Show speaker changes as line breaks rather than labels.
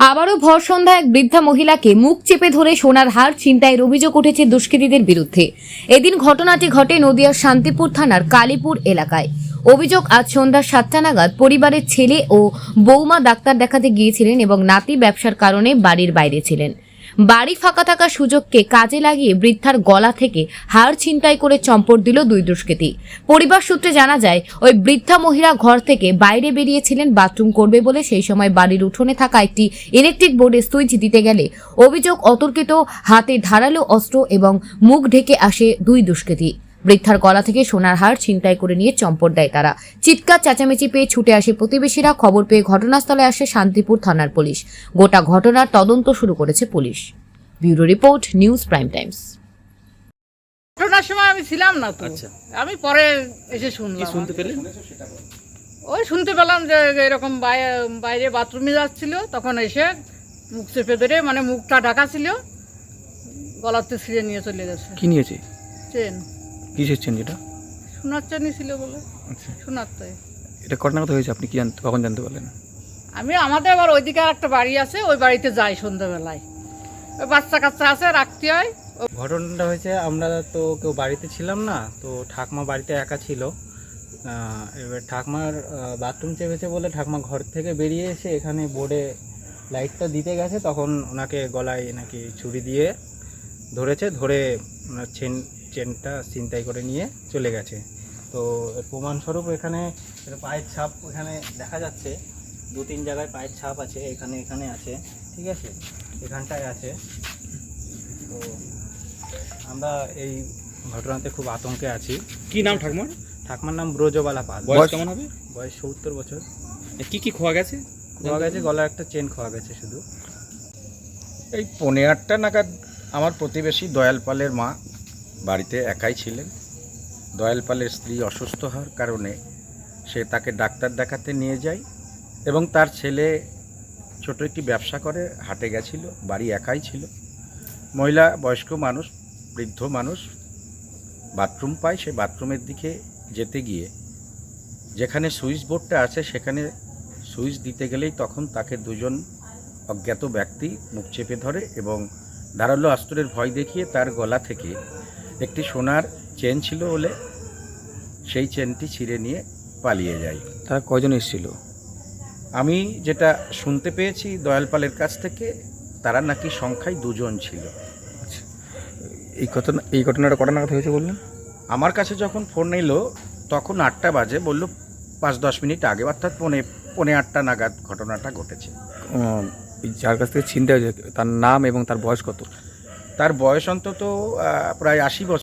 আবারও ভর সন্ধ্যায় এক বৃদ্ধা মহিলাকে মুখ চেপে ধরে সোনার হার ছিনতাইয়ের অভিযোগ উঠেছে দুষ্কৃতীদের বিরুদ্ধে। এদিন ঘটনাটি ঘটে নদিয়ার শান্তিপুর থানার কালীপুর এলাকায়। অভিযোগ, আজ সন্ধ্যা 7টা নাগাদ পরিবারের ছেলে ও বৌমা ডাক্তার দেখাতে গিয়েছিলেন এবং নাতি ব্যবসার কারণে বাড়ির বাইরে ছিলেন। বাড়ি ফাঁকা থাকার সুযোগকে কাজে লাগিয়ে বৃদ্ধার গলা থেকে হার ছিনতাই করে চম্পট দিল দুই দুষ্কৃতী। পরিবার সূত্রে জানা যায়, ওই বৃদ্ধা মহিলা ঘর থেকে বাইরে বেরিয়েছিলেন বাথরুম করবে বলে। সেই সময় বাড়ির উঠোনে থাকা একটি ইলেকট্রিক বোর্ডে সুইচ দিতে গেলে অভিযোগ, অতর্কিত হাতে ধারালো অস্ত্র এবং মুখ ঢেকে আসে দুই দুষ্কৃতী। বৃদ্ধার গলা থেকে সোনার হার ছিনতাই করে নিয়ে চম্পট দেয় তারা। চিৎকার চেঁচামেচি পেয়ে ছুটে আসে প্রতিবেশীরা। খবর পেয়ে ঘটনাস্থলে আসে শান্তিপুর থানার পুলিশ। গোটা ঘটনার তদন্ত শুরু করেছে police. Bureau report, news prime times.
ঘটনার সময় আমি ছিলাম না তো।
আচ্ছা।
আমি পরে এসে শুনলাম।
কি শুনতে পেলেন?
ওই শুনতে পেলাম যে এরকম বাইরে বাথরুমে যাচ্ছিল, তখন এসে মুখ চেপে ধরে, মানে মুখটা ঢাকা ছিল, গলাতে ছিঁড়ে নিয়ে চলে গেছে।
কি নিয়েছে?
চেন,
কিসের চেন? যেটা
সোনার চেনই ছিল বলে।
আচ্ছা,
সোনার তো
এটা ঘটনা কথা হয়েছে, আপনি কি কখন জানতে পারলেন?
আমি আমাদের আবার ওইদিকে আর একটা বাড়ি আছে, ওই বাড়িতে যাই সন্ধ্যাবেলায়। ওই বাচ্চা কাচ্চা আছে, রাখতে হয়।
ঘটনাটা হয়েছে, আমরা তো কেউ বাড়িতে ছিলাম না, তো ঠাকমা বাড়িতে একা ছিল। এবার ঠাকমার বাথরুম চেপেছে বলে ঠাকমা ঘর থেকে বেরিয়ে এসে এখানে বোর্ডে লাইটটা দিতে গেছে, তখন ওনাকে গলায় নাকি ছুরি দিয়ে ধরেছে, ধরে ওনার চেনটা ছিনতাই করে নিয়ে চলে গেছে। তো এর প্রমাণস্বরূপ এখানে পায়ের ছাপ এখানে দেখা যাচ্ছে, 2-3 জায়গায় পায়ের ছাপ আছে, এখানে আছে, ঠিক আছে, এখানটায় আছে। তো আমরা এই ঘটনাতে খুব আতঙ্কে আছি।
কি নাম ঠাকুমার?
ঠাকুমার নাম ব্রজবালা পাল।
বয়স কেমন হবে?
বয়স 70 বছর।
কি কি খোয়া গেছে?
খোয়া গেছে, গলার একটা চেন খোয়া গেছে শুধু।
এই 8:45 নাগাদ আমার প্রতিবেশী দয়াল পালের মা বাড়িতে একাই ছিলেন। দয়াল পালের স্ত্রী অসুস্থ হওয়ার কারণে সে তাকে ডাক্তার দেখাতে নিয়ে যায় এবং তার ছেলে ছোট একটি ব্যবসা করে হাটে গেছিল, বাড়ি একাই ছিল। মহিলা বয়স্ক মানুষ, বৃদ্ধ মানুষ বাথরুম পায়, সে বাথরুমের দিকে যেতে গিয়ে যেখানে সুইচ বোর্ডটা আছে সেখানে সুইচ দিতে গেলেই তখন তাকে দুজন অজ্ঞাত ব্যক্তি মুখ চেপে ধরে এবং ধারালো অস্ত্রের ভয় দেখিয়ে তার গলা থেকে একটি সোনার চেন ছিল বলে সেই চেনটি ছিঁড়ে নিয়ে পালিয়ে যায়।
তারা কয়জন এসেছিল?
আমি যেটা শুনতে পেয়েছি দয়ালপালের কাছ থেকে, তারা নাকি সংখ্যায় 2 জন ছিল।
আচ্ছা, এই ঘটনাটা কটা নাগাদ হয়েছে বললেন?
আমার কাছে যখন ফোন এলো তখন 8টা বাজে, বলল 5-10 মিনিট আগে, অর্থাৎ 8:45 নাগাদ ঘটনাটা ঘটেছে।
যার কাছ থেকে ছিনতাই হয়েছে তার নাম এবং তার বয়স কত?
তার বয়স অন্তত প্রায় 80 বছর।